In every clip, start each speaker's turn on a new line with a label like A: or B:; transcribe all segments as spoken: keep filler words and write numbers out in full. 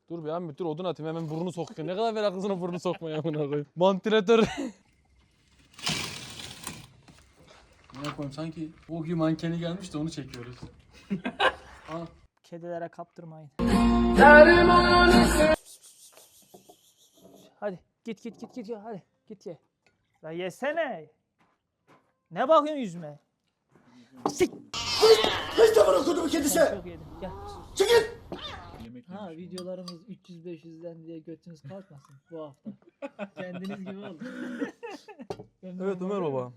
A: Dur be Ahmet dur odun atayım hemen burnunu sokuyor. Ne kadar meraklısın o burnunu sokmaya amına koyayım. Vantilatör. Ne koyayım sanki o gün mankeni gelmiş de onu çekiyoruz. Al.
B: Kedilere kaptırmayın. Hadi git git git git ya hadi git ye. La yesene. Ne bakıyorsun yüzüme? Sik.
C: Hiç de bırakıldı bu kedisi.
B: Çok yedim. Gel.
C: Çekil.
B: Ha videolarımız üç yüz beş yüzden diye götünüz kalkmasın bu hafta. Kendiniz gibi olun.
A: Evet Ömer baba.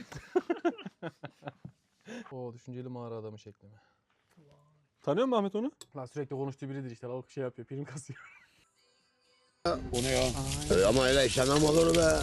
A: O düşünceli mağara adamı şeklimi. Tanıyor musun Ahmet onu? La sürekli konuştuğu biridir işte. Lavuk şey yapıyor, prim kasıyor.
C: O ne ya? Ee, ama öyle işlemem olur be.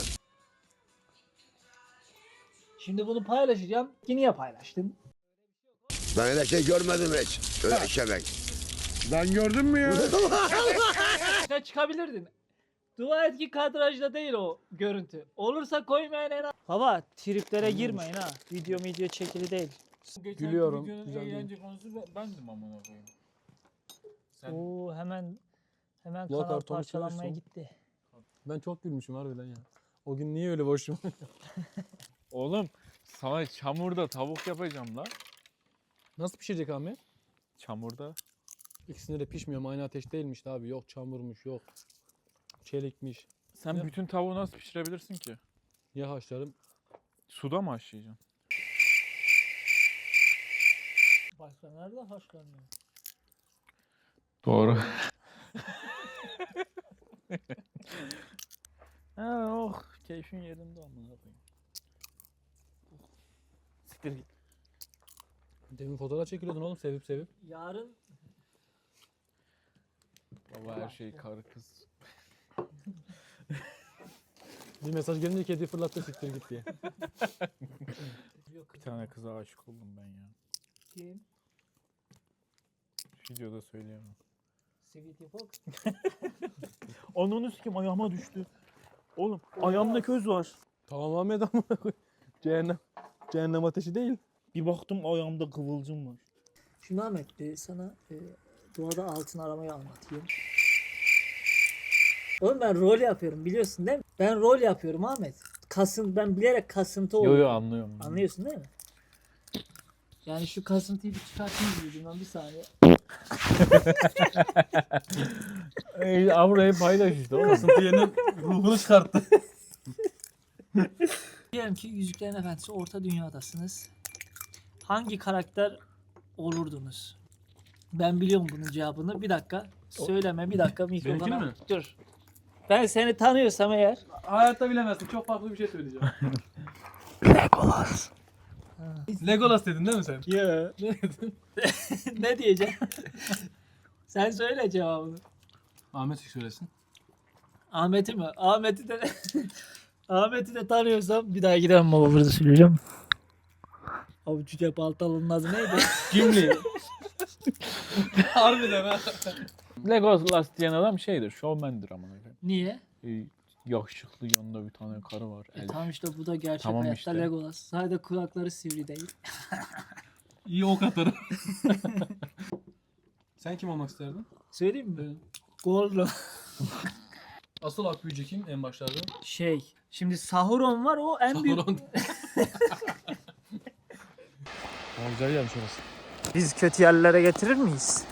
B: Şimdi bunu paylaşacağım. Yine paylaştım.
C: Ben öyle şey görmedim hiç. Öyle işlemek. Ben gördüm mü ya?
B: Ne çıkabilirdin? Dua et ki kadrajda değil o görüntü. Olursa koymayan en az. Baba triplere girmeyin ha. Video video çekili değil.
A: Gülüyorum.
D: Videonun
A: Güzel değil.
D: eğlence konusu ben- bendim amına koyayım. Sen
B: Oo hemen hemen
A: Ulan
B: kanal
A: kartonu
B: parçalanmaya
A: seversin.
B: gitti.
A: Ben çok gülmüşüm harbiden ya. O gün niye öyle boşum?
D: oğlum sana çamurda tavuk yapacağım la.
A: Nasıl pişirecek Ahmet?
D: Çamurda.
A: İkisinde de pişmiyor. Aynı ateş değilmiş abi. Yok çamurmuş, yok çelikmiş.
D: Sen
A: Ya.
D: bütün tavuğu nasıl pişirebilirsin ki?
A: Ya haşlarım.
D: Suda mı haşlayacaksın?
B: Başka nerede haşlanıyor?
D: Doğru. ha oh keyfin yerinde amına koyayım. Siktir git.
A: Demin fotoğraf çekiliyordun oğlum sevip sevip.
B: Yarın
D: Baba her şey karı kız.
A: Bir mesaj gelince kediyi fırlattı siktir git diye.
B: yok.
D: Bir tane kıza aşık oldum ben ya.
B: Kim?
D: Videoda söyleyemem.
B: Sweetie Fox.
D: Ananı sikim ayağıma düştü. Oğlum ayağımda köz var.
A: Tamam Ahmet amına koy. Cehennem. Cehennem ateşi değil.
D: Bir baktım ayağımda kıvılcım var.
B: Şimdi Ahmet e, sana e, doğada altın aramayı anlatayım. Oğlum ben rol yapıyorum biliyorsun değil mi? Ben rol yapıyorum Ahmet. Kasın, ben bilerek kasıntı
D: Yo
B: oluyorum.
D: yo anlıyorum.
B: Anlıyorsun değil mi? Yani şu kasıntıyı bir çıkartayım dedim ben bir saniye.
D: Ey Avrupa'yı paylaş işte oğlum.
A: Kasıntı yerinin ruhunu çıkarttı.
B: Diyelim ki Yüzüklerin Efendisi Orta Dünya'dasınız. Hangi karakter olurdunuz? Ben biliyorum bunun cevabını. Bir dakika. Söyleme bir dakika mikrofona.
A: Benimkini mi?
B: Dur. Ben seni tanıyorsam eğer.
A: Hayatta bilemezsin. Çok farklı bir şey söyleyeceğim.
B: Legolas.
A: Legolas dedin değil mi sen?
B: Ya.
A: Ne dedin?
B: Ne diyeceğim? Sen söyle cevabını.
A: Ahmet söylesin.
B: Ahmet'i mi? Ahmet'i de Ahmet'i de tanıyorsam bir daha gidemem baba burada söyleyeceğim. Abi Cüce Baltalı'nın adı neydi?
A: Gimli. Harbiden ha.
D: Legolas diyen adam şeydir, şovmendir amına koyayım.
B: Niye?
D: Ee, yakışıklı yanında bir tane karı var.
B: E
D: elf.
B: tamam işte bu da gerçek
D: Tamam
B: hayatta
D: işte.
B: Legolas. Sadece kulakları sivri değil.
A: İyi ok atarım. Sen kim olmak isterdin?
B: Söyleyeyim mi? Gollum.
A: Asıl Akbüyücü kim en başlarda?
B: Şey, şimdi Sauron var o en büyük.
A: Sauron. Ama güzel gelmiş orası.
B: Biz kötü yerlere getirir miyiz?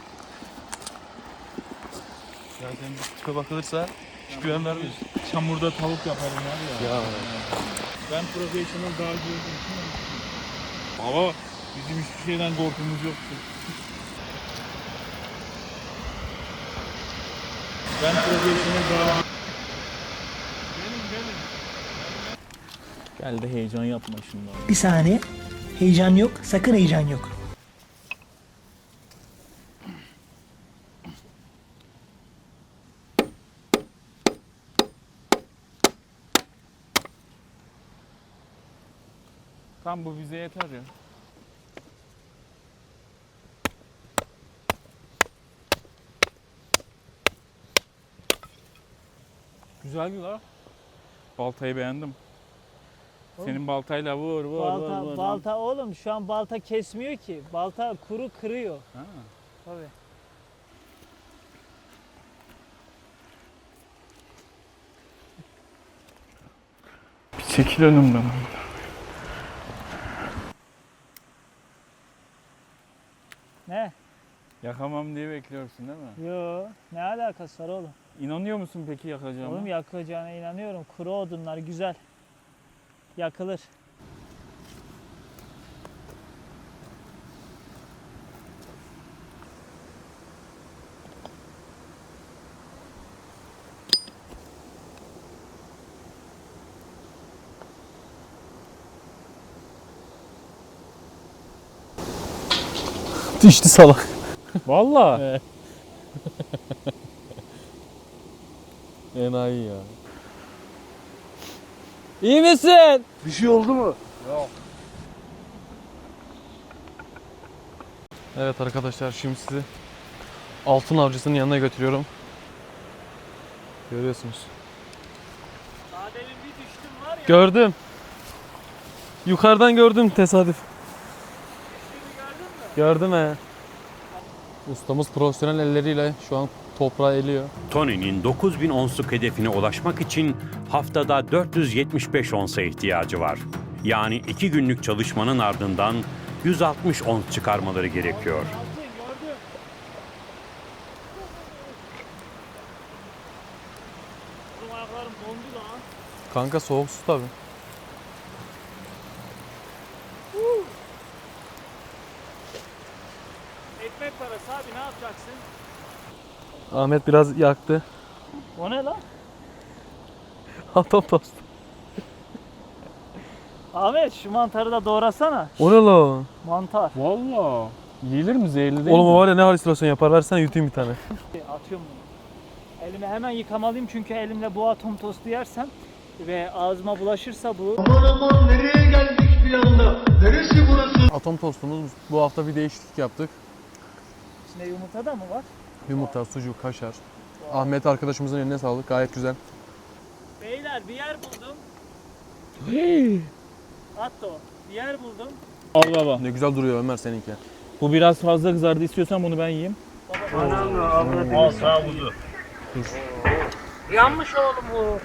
A: Zaten tipe bakılırsa hiç güven vermiyor.
D: Çamurda tavuk yaparım var ya.
A: Ya.
D: Ben profesyonel dağcı olduğum için Baba bizim hiçbir şeyden korkumuz yoktu. Ben profesyonel dağcı. Gel de heyecan yapma şimdi abi.
B: Bir saniye. Heyecan yok. Sakın heyecan yok.
D: Tam bu bize yeter ya. Güzeldi la. Baltayı beğendim. Senin baltayla vur vur
B: Balta,
D: vur vur.
B: balta oğlum şu an balta kesmiyor ki. Balta kuru kırıyor.
D: Ha.
B: Tabii.
D: Çekil önümden.
B: Ne?
D: Yakamam diye bekliyorsun değil mi?
B: Yo, ne alakası var oğlum?
D: İnanıyor musun peki yakacağıma?
B: Oğlum yakacağına inanıyorum. Kuru odunlar güzel. Yakılır.
A: Düştü salak.
D: Vallahi.
A: Evet. Enayi ya. İyi misin?
C: Bir şey oldu mu?
A: Evet arkadaşlar, şimdi sizi altın avcısının yanına götürüyorum. Görüyorsunuz.
B: Daha demin bir düştüm var ya.
A: Gördüm. Yukarıdan gördüm tesadüf. Gördüm he. Ustamız profesyonel elleriyle şu an toprağı eliyor.
E: Tony'nin dokuz bin onsluk hedefine ulaşmak için haftada dört yüz yetmiş beş onsa ihtiyacı var. Yani iki günlük çalışmanın ardından yüz altmış ons çıkarmaları gerekiyor.
B: Gördüm. Oğlum ayaklarım dondu lan.
A: Kanka soğuk su tabi.
B: Ekmek parası abi, ne yapacaksın?
A: Ahmet biraz yaktı.
B: O ne lan?
A: Atom tost.
B: Ahmet şu mantarı da doğrasana.
A: O ne la?
B: Mantar.
D: Vallahi. Yiyilir mi? Zehirli değil
A: Oğlum
D: mi?
A: o var ya, ne halüsinasyon yapar, versene yutayım bir tane.
B: Atıyorum bunu. Elimi hemen yıkamalıyım çünkü elimle bu atom tostu yersem ve ağzıma bulaşırsa bu...
F: Aman aman nereye geldik bir anda? Neresi burası?
A: Atom tostumuz, bu hafta bir değişiklik yaptık.
B: İçinde yumurta da mı var?
A: Yumurta, sucuk, kaşar. Ahmet arkadaşımızın eline sağlık, gayet güzel.
B: Beyler bir yer buldum. Atto bir yer buldum.
D: Al baba.
A: Ne güzel duruyor Ömer seninki.
D: Bu biraz fazla kızardı, istiyorsan bunu ben yiyeyim.
F: Al sağ buzu.
B: Yanmış oğlum bu.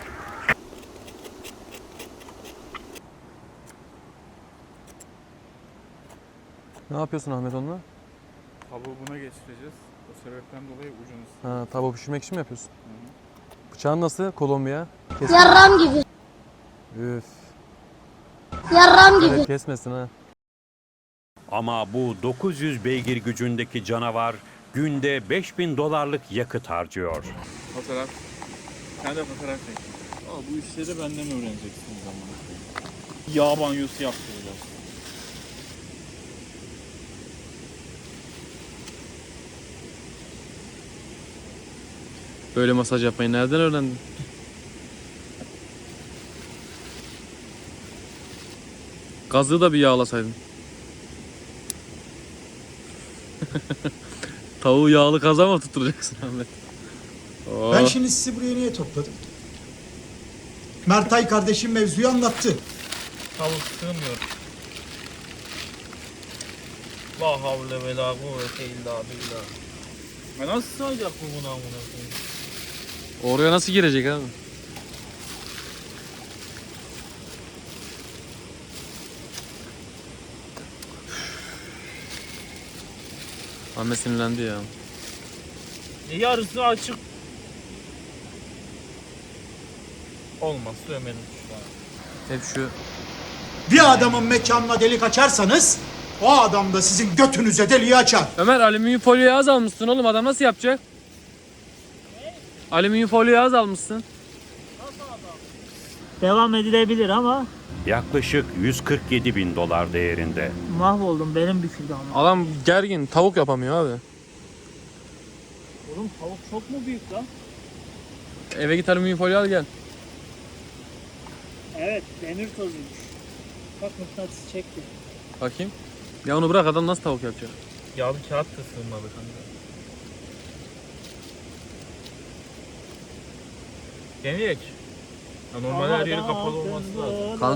A: Ne yapıyorsun Ahmet onunla?
D: Tavuğu buna geçireceğiz. O sebepten dolayı ucunu
A: Ha, tava pişirmek için mi yapıyorsun? Bıçağın nasıl? Kolombiya. Kes-
G: Yarram gibi.
A: Üf.
G: Yarram gibi.
A: Evet, kesmesin ha.
E: Ama bu dokuz yüz beygir gücündeki canavar günde beş bin dolarlık yakıt harcıyor.
D: Fotoğraf. Sen de fotoğraf çek. Aa, bu işleri benden öğreneceksiniz zamanı. Yağ banyosu yaptıracağız.
A: Böyle masaj yapmayı nereden öğrendin? Gazı da bir yağlasaydın. Tavuğu yağlı kaza mı tutturacaksın Ahmet? Oo.
H: Ben şimdi sizi buraya niye topladım? Mertay kardeşim mevzuyu anlattı.
F: Tavuk sığmıyor. La havle ve la kuvvete illa billah.
D: Ya nasıl sığacak bu buna amına koyayım?
A: Oraya nasıl girecek abi? Ahmet sinirlendi ya.
F: E, yarısı açık. Olmaz sövmedim şu an.
A: Hep şu
H: Bir adamın mekanına delik açarsanız o adam da sizin götünüze deliği açar.
A: Ömer, alüminyum folyoyu az almışsın oğlum, adam nasıl yapacak? Alüminyum folyoyu az almışsın.
B: Devam edilebilir ama
E: Yaklaşık yüz kırk yedi bin dolar değerinde.
B: mahvoldum, benim büküldü ama.
A: Adam gergin, tavuk yapamıyor abi.
B: Oğlum tavuk çok mu büyük lan?
A: Eve git alüminyum folyo al gel.
B: Evet, demir tozuymuş. Bak mıknatıs çekti.
A: Bakayım. Ya onu bırak, adam nasıl tavuk yapacak?
F: Yağlı kağıt da sığmadı kanka. Deneyek. Ya normal her yeri kapalı olması lazım.
A: Kan-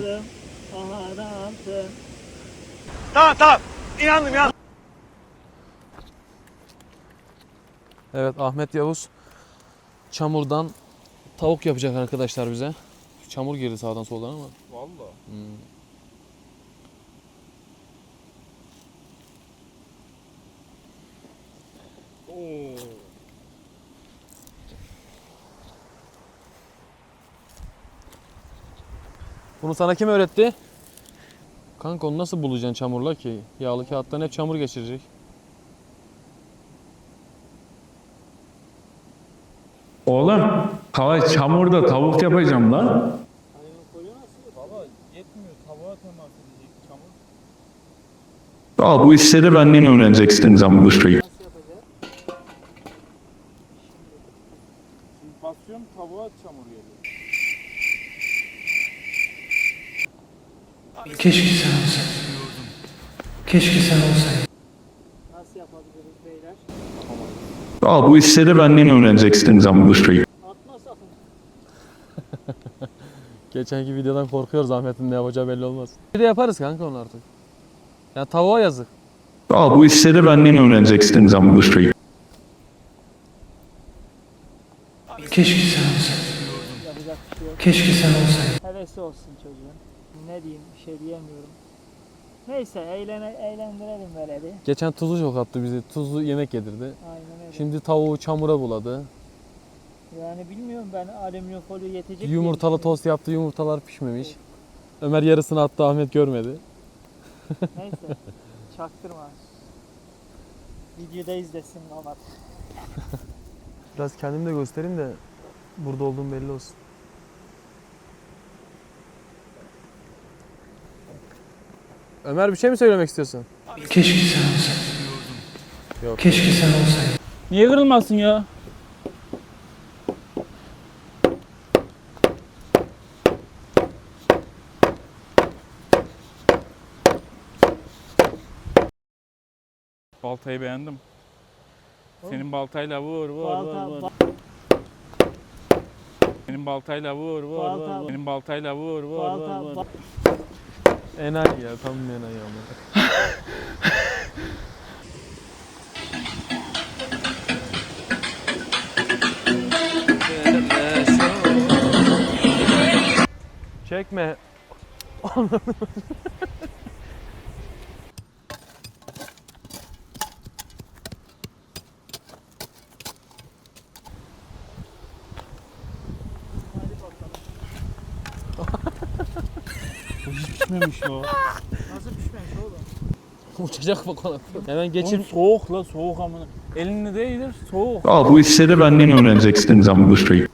A: Evet, Ahmet Yavuz çamurdan tavuk yapacak arkadaşlar bize. çamur girdi sağdan soldan ama.
D: Valla.
A: Hmm.
D: Oo.
A: Bunu sana kim öğretti? Kanka onu nasıl bulacaksın çamurla ki? Yağlı kağıttan hep çamur geçirecek.
F: Oğlum, hava çamurda tavuk yapacağım lan.
D: Baba yetmiyor. Tavuğa temas edecek çamur.
F: Al bu işleri benden öğreneceksiniz ama bu şeyi.
B: Nasıl yapacağız?
D: Şimdi basıyorum tavuğa çamur geliyor.
I: Keşke sen olsaydın. Keşke sen olsaydın.
B: Nasıl yapabiliriz beyler?
F: Al bu işleri benden öğreneceksiniz ama bu şeyi.
B: Atma sakın.
A: Geçenki videodan korkuyoruz, Ahmet'in ne yapacağı belli olmaz. Bir de yaparız kanka onu artık. Ya tavuğa yazık.
F: Al bu işleri benden öğreneceksiniz ama bu şeyi.
I: Keşke sen olsaydın.
B: Yapacak bir şey yok.
I: Keşke sen olsaydın.
B: Hevesi olsun çocuğun. Ne diyeyim, bir şey diyemiyorum. Neyse eğlene, eğlendirelim böyle bir.
A: Geçen tuzlu çok attı bizi. Tuzlu yemek yedirdi.
B: Aynen öyle.
A: Şimdi tavuğu çamura buladı.
B: Yani bilmiyorum ben alüminyum folyo yetecek diye
A: Yumurtalı
B: düşünüyorum.
A: tost yaptı. Yumurtalar pişmemiş. Ömer yarısını attı, Ahmet görmedi.
B: Neyse çaktırma. Videoda izlesin ama.
A: Biraz kendimi de göstereyim de burada olduğum belli olsun. Ömer bir şey mi söylemek istiyorsun?
I: Keşke sen olsaydın.
A: Yok.
I: Keşke sen olsaydın.
D: Niye kırılmasın ya? Baltayı beğendim. Senin baltayla vur vur
B: Balta,
D: vur vur.
B: ba-
D: Senin baltayla vur vur
B: Balta-
D: vur. Senin baltayla vur vur
B: balta,
D: vur vur.
B: ba-
A: Enayi ya, tam bir enayi ama. Çekme.
D: Pişmemiş o.
B: Nasıl pişmemiş oğlum?
A: Uçacak bak ona. Hemen
D: Geçin
A: geçir.
D: soğuk la soğuk amına. Elini değdir soğuk.
F: Al bu işleri benden öğreneceksiniz ama bu şeyi.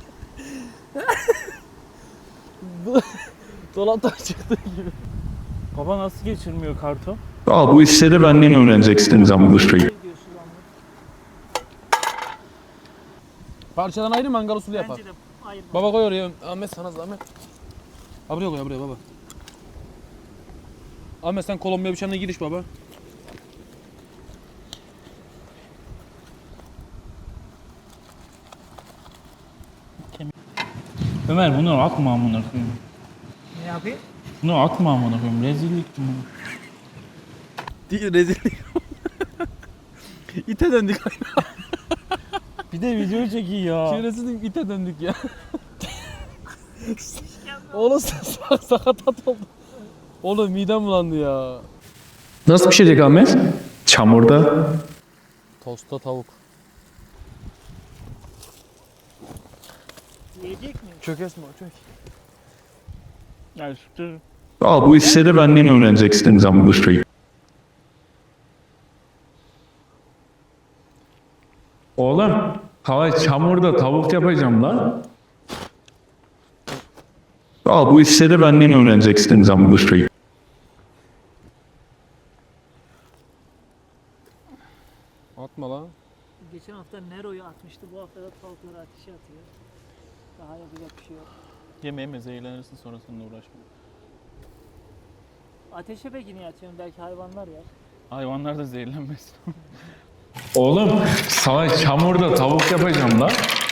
A: Dolaptan çıktığı gibi.
D: Baba nasıl geçirmiyor karton?
F: Al bu işleri benden öğreneceksiniz ama bu şeyi.
B: Ne diyorsun lan bu?
A: Parçadan ayrı mangal usulü yapar.
B: Bence de ayırma.
A: Baba koy oraya. Ahmet sana zahmet. Ha buraya koy, ha buraya baba. Ahmet sen Kolombiya bıçağına giriş baba.
D: Ömer bunu atma amına koyayım.
B: Ne yapayım?
D: Bunu atma amına koyayım. Rezillik bu.
A: Değil, rezillik. İte döndük.
D: Bir de video çekiyor ya.
A: Çevresizlik ite döndük ya. Oğlum sak sakatat oldu. Oğlum midem bulandı ya.
F: Nasıl pişecek Ahmet? Çamurda.
A: Tosta tavuk.
B: Yiyecek mi?
A: Çök Esma çök.
D: Yani şu
F: Al bu işleri benden öğreneceksiniz ama bu şeyi. Oğlum, hava çamurda tavuk yapacağım lan. Al bu işleri benden öğreneceksiniz ama bu şeyi.
A: Atma lan.
B: Geçen hafta Nero'yu atmıştı. Bu hafta da tavukları ateşe atıyor. Daha yapacak bir şey yok.
D: yeme yeme zehirlenirsin sonrasında uğraşma.
B: Ateşe peki niye atıyorsun? Belki hayvanlar yer.
D: Hayvanlar da zehirlenmesin.
F: Oğlum, sana çamurda tavuk yapacağım lan.